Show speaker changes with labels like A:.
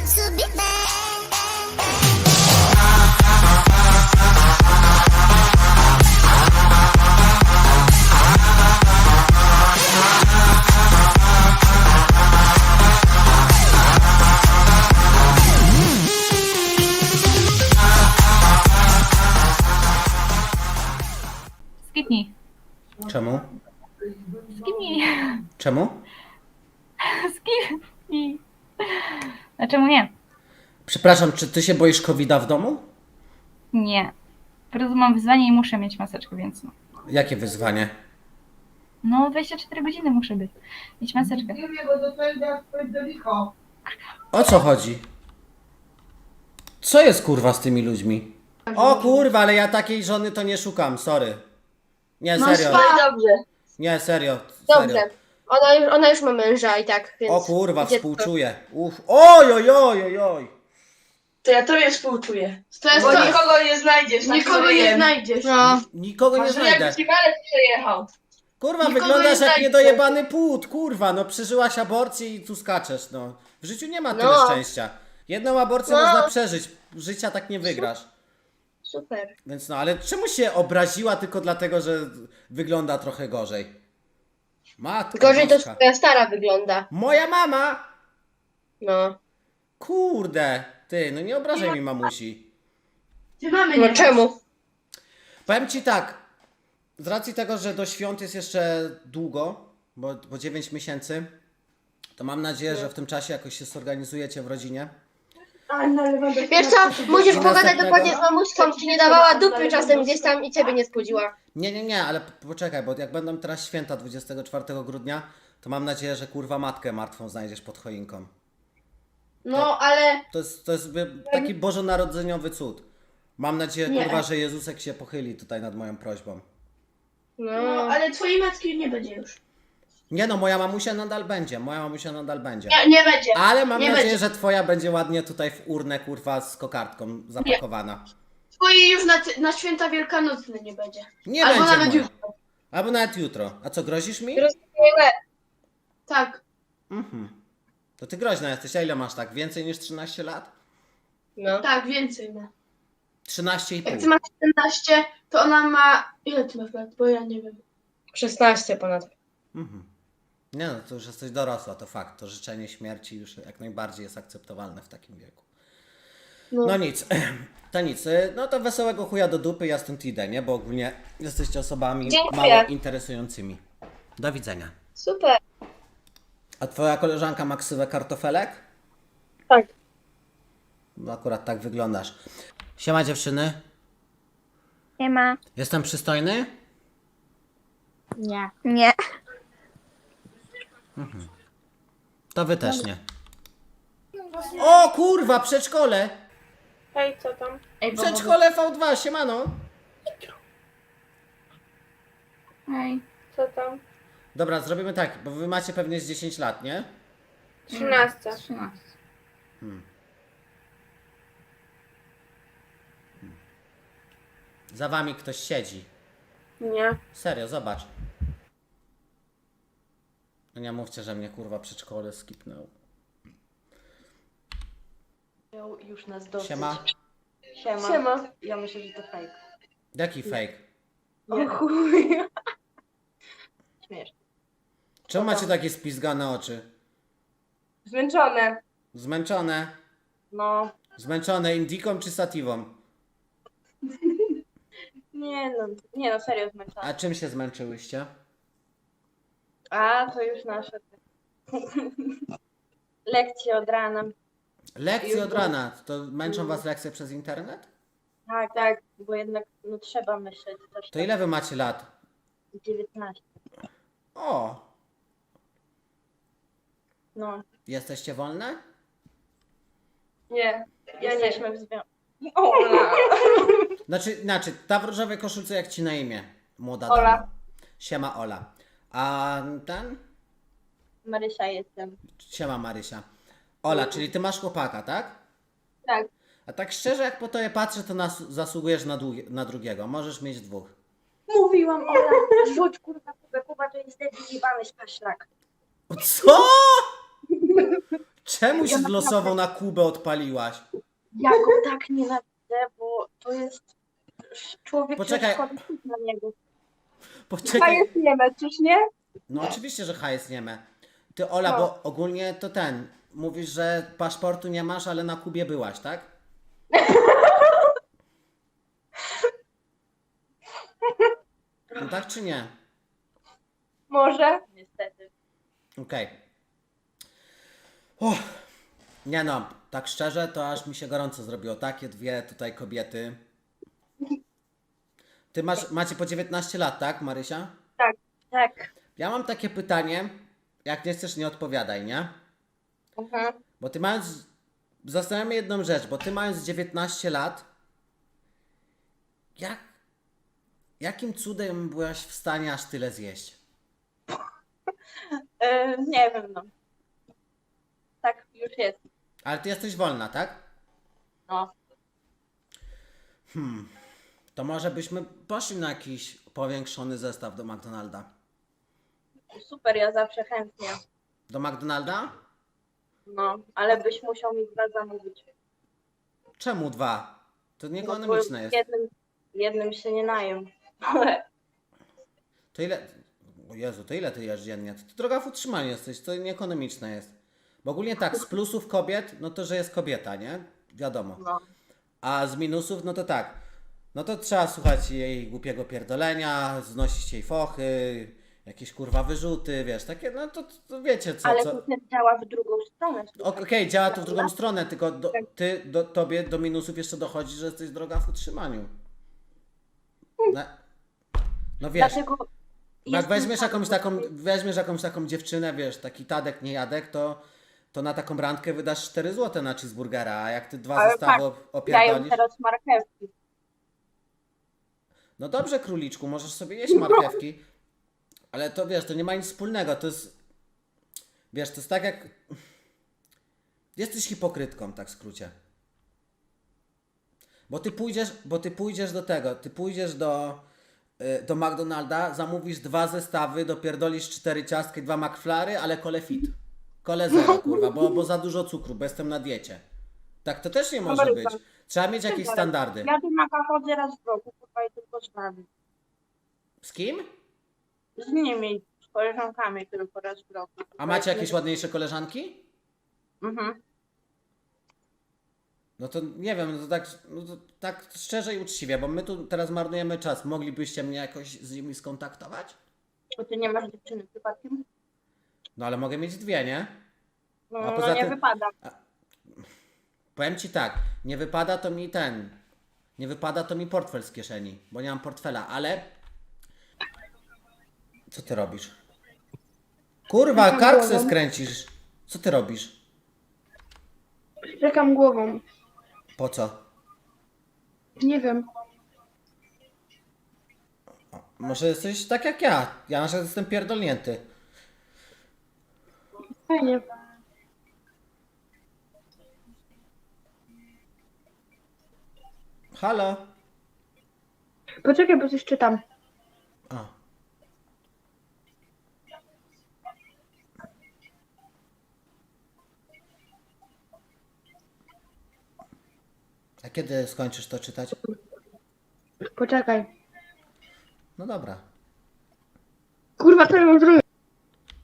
A: to be bad.
B: Skipnij.
C: Czemu?
B: Skipnij.
C: Czemu?
B: Skipnij. A czemu nie?
C: Przepraszam, czy ty się boisz COVID-a w domu?
B: Nie. Po prostu mam wyzwanie i muszę mieć maseczkę, więc no.
C: Jakie wyzwanie?
B: No 24 godziny muszę być. Mieć maseczkę.
D: Nie wiem, bo do tego jak pójdę do licho.
C: O co chodzi? Co jest kurwa z tymi ludźmi? O kurwa, ale ja takiej żony to nie szukam, sorry. Nie, serio.
E: No dobrze,
C: Nie, serio.
E: dobrze.
C: Serio.
E: Ona już ma męża i tak, więc...
C: O kurwa,
E: idzie-
C: współczuję. Uff. Oj, oj, oj, oj, oj.
F: To ja tobie współczuję.
D: To jest
F: Bo
D: to,
F: nikogo nie znajdziesz. tak
D: nikogo
F: sobie
D: nie
F: jem.
D: znajdziesz.
E: No,
C: Nikogo nie
F: Może
C: znajdę.
F: jakby ci walec przejechał.
C: Kurwa,
D: Nikogo
C: wyglądasz
D: nie
C: jak
D: znajdę.
C: niedojebany płód, kurwa, no przeżyłaś aborcję i tu skaczesz, no. W życiu nie ma tyle
E: No.
C: szczęścia. Jedną aborcję
E: No.
C: można przeżyć, życia tak nie wygrasz.
E: super.
C: Więc no, ale czemu się obraziła tylko dlatego, że wygląda trochę gorzej? Matko
E: Gorzej to
C: boska.
E: twoja stara wygląda.
C: Moja mama!
E: No.
C: Kurde, ty, no nie obrażaj mi mamusi.
D: Ty mamy
E: No
D: nie
E: czemu?
C: Powiem ci tak, z racji tego, że do świąt jest jeszcze długo, bo 9 miesięcy, to mam nadzieję, że w tym czasie jakoś się zorganizujecie w rodzinie.
E: Wiesz co, musisz
C: I
E: pogadać
C: następnego?
E: dokładnie z mamuśką, czy nie dawała dupy czasem gdzieś tam i ciebie nie spłodziła.
C: Nie, ale poczekaj, bo jak będą teraz święta 24 grudnia, to mam nadzieję, że kurwa matkę martwą znajdziesz pod choinką.
D: No, ale
C: To jest taki bożonarodzeniowy cud. Mam nadzieję,
D: Nie.
C: kurwa, że Jezusek się pochyli tutaj nad moją prośbą.
D: no,
E: No.
D: ale twojej matki nie będzie już.
C: Nie no, moja mamusia nadal będzie,
D: Nie będzie.
C: Ale mam
D: Nie
C: nadzieję,
D: będzie.
C: że twoja będzie ładnie tutaj w urnę, kurwa, z kokardką zapakowana.
D: Twojej już na święta wielkanocne nie będzie.
C: Nie
D: Albo
C: będzie
D: nawet
C: moja.
D: jutro.
C: Albo nawet jutro. A co, grozisz mi?
D: Tak.
C: Mhm. To ty groźna jesteś, a ile masz tak? Więcej niż 13 lat?
E: No.
D: Tak, więcej ma.
C: 13,5.
D: Jak ty masz 14, to ona ma... Ile ty masz lat? Bo ja nie wiem.
E: 16 ponad.
C: Mhm. Nie no, to już jesteś dorosła, to fakt. To życzenie śmierci już jak najbardziej jest akceptowalne w takim wieku. No nic, to nic. No to wesołego chuja do dupy, ja stąd idę, nie? Bo ogólnie jesteście osobami
E: Dziękuję.
C: mało interesującymi. Do widzenia.
E: Super.
C: A twoja koleżanka ma ksywę kartofelek?
E: Tak.
C: No akurat tak wyglądasz. Siema dziewczyny.
G: Nie ma.
C: Jestem przystojny?
G: Nie. Nie.
C: To wy też nie. O kurwa, przedszkole!
F: Hej, co tam?
C: Przedszkole V2, siemano.
B: Hej.
F: Co tam?
C: Dobra, zrobimy tak, bo wy macie pewnie z 10 lat, nie?
F: 13.
B: 13.
C: Za wami ktoś siedzi.
F: Nie.
C: Serio, zobacz. No nie mówcie, że mnie kurwa przedszkole skipnął.
H: Miał już nas dosyć.
C: Siema.
H: Siema. Ja myślę, że to fake.
C: Jaki fake?
H: Nie. O chuj. Śmieszne.
C: Czemu macie takie spizgane oczy?
H: Zmęczone.
C: Zmęczone?
H: No.
C: Zmęczone indiką czy sativą?
H: Nie no, serio zmęczone.
C: A czym się zmęczyłyście?
H: A, to już nasze. Lekcje od rana.
C: Lekcje od rana. To męczą was lekcje przez internet?
H: Tak, bo jednak no trzeba myśleć też.
C: To ile wy macie lat?
H: 19.
C: O!
H: No.
C: Jesteście wolne?
H: Nie. Jesteśmy w związku.
C: Znaczy, ta w różowej koszulce jak ci na imię? Młoda
H: Ola.
C: dama. Siema Ola. A ten?
H: Marysia jestem.
C: Siema Marysia. Ola, czyli ty masz chłopaka, tak?
H: Tak.
C: A tak szczerze, jak po tobie patrzę, to zasługujesz na drugiego. Możesz mieć dwóch.
H: Mówiłam, Ola, rzuć kurwa Kuba to jest debil jebany szpaszlak.
C: Co? Czemu się losowo na Kubę odpaliłaś?
H: Ja go tak nienawidzę, bo to jest człowiek,
C: Poczekaj.
H: że szkoda na niego.
C: Poczekaj.
H: jest nieme, czyż nie?
C: No oczywiście, że H jest nieme. Ty Ola,
H: No.
C: bo ogólnie to mówisz, że paszportu nie masz, ale na Kubie byłaś, tak? No tak czy nie?
H: Może? Niestety.
C: Okej. Nie no, tak szczerze, to aż mi się gorąco zrobiło. Takie dwie tutaj kobiety. Ty macie po 19 lat, tak, Marysia?
H: Tak.
C: Ja mam takie pytanie, jak nie chcesz, nie odpowiadaj, nie?
H: Mhm.
C: Bo ty mając, zastanawiam się jedną rzecz, bo ty mając 19 lat, jakim cudem byłaś w stanie aż tyle zjeść?
H: Nie wiem, no. Tak już jest.
C: Ale ty jesteś wolna, tak?
H: No.
C: To może byśmy poszli na jakiś powiększony zestaw do McDonalda.
H: Super, ja zawsze chętnie.
C: Do McDonalda?
H: No, ale byś musiał mi 2 zamówić.
C: Czemu 2? To
H: No, bo
C: nieekonomiczne jest.
H: jednym się nie najem.
C: To ile... O Jezu, to ile ty jesz dziennie? To droga w utrzymaniu jesteś, to nieekonomiczne jest. Bo ogólnie tak, z plusów kobiet, no to, że jest kobieta, nie? Wiadomo.
H: No.
C: A z minusów, no to tak. No to trzeba słuchać jej głupiego pierdolenia, znosić jej fochy, jakieś kurwa wyrzuty, wiesz, takie, no to wiecie co.
H: Ale
C: co...
H: to też działa w drugą stronę.
C: Okej, działa to w drugą stronę, tylko tobie do minusów jeszcze dochodzi, że jesteś droga w utrzymaniu. No wiesz,
H: Dlatego
C: jak
H: jestem
C: weźmiesz jakąś taką dziewczynę, wiesz, taki Tadek, nie Jadek, to na taką randkę wydasz 4 zł na cheeseburgera, a jak ty 2
H: Ale
C: zestawy
H: dają
C: opierdolisz...
H: teraz marchewki.
C: No dobrze, króliczku, możesz sobie jeść marchewki, ale to wiesz, to nie ma nic wspólnego, to jest... Wiesz, to jest tak jak... Jesteś hipokrytką, tak w skrócie. Bo ty pójdziesz do tego, ty pójdziesz do McDonalda, zamówisz 2 zestawy, dopierdolisz 4 ciastki, 2 McFlary, ale kole fit. Kole zero, kurwa, bo za dużo cukru, bo jestem na diecie. Tak to też nie może być. Trzeba mieć jakieś standardy.
H: Ja do Maka chodzę raz w roku, kurwa, i tylko z nami.
C: Z kim?
H: Z nimi, z koleżankami tylko raz w roku.
C: A macie jakieś ładniejsze koleżanki?
H: Mhm.
C: No to nie wiem, no to tak szczerze i uczciwie, bo my tu teraz marnujemy czas. Moglibyście mnie jakoś z nimi skontaktować?
H: Bo ty nie masz dziewczyny przypadkiem?
C: No ale mogę mieć 2, nie?
H: No,
C: A poza
H: nie
C: tym-
H: wypada.
C: Powiem ci tak, nie wypada to mi portfel z kieszeni, bo nie mam portfela, ale... Co ty robisz? Kurwa, kark se skręcisz. Co ty robisz?
D: Czekam głową.
C: Po co?
D: Nie wiem.
C: Może jesteś tak jak ja. Ja na przykład jestem pierdolnięty.
D: Fajnie.
C: Halo?
D: Poczekaj, bo coś czytam.
C: A. A kiedy skończysz to czytać?
D: Poczekaj.
C: No dobra.
D: Kurwa, co ja mam zrobić?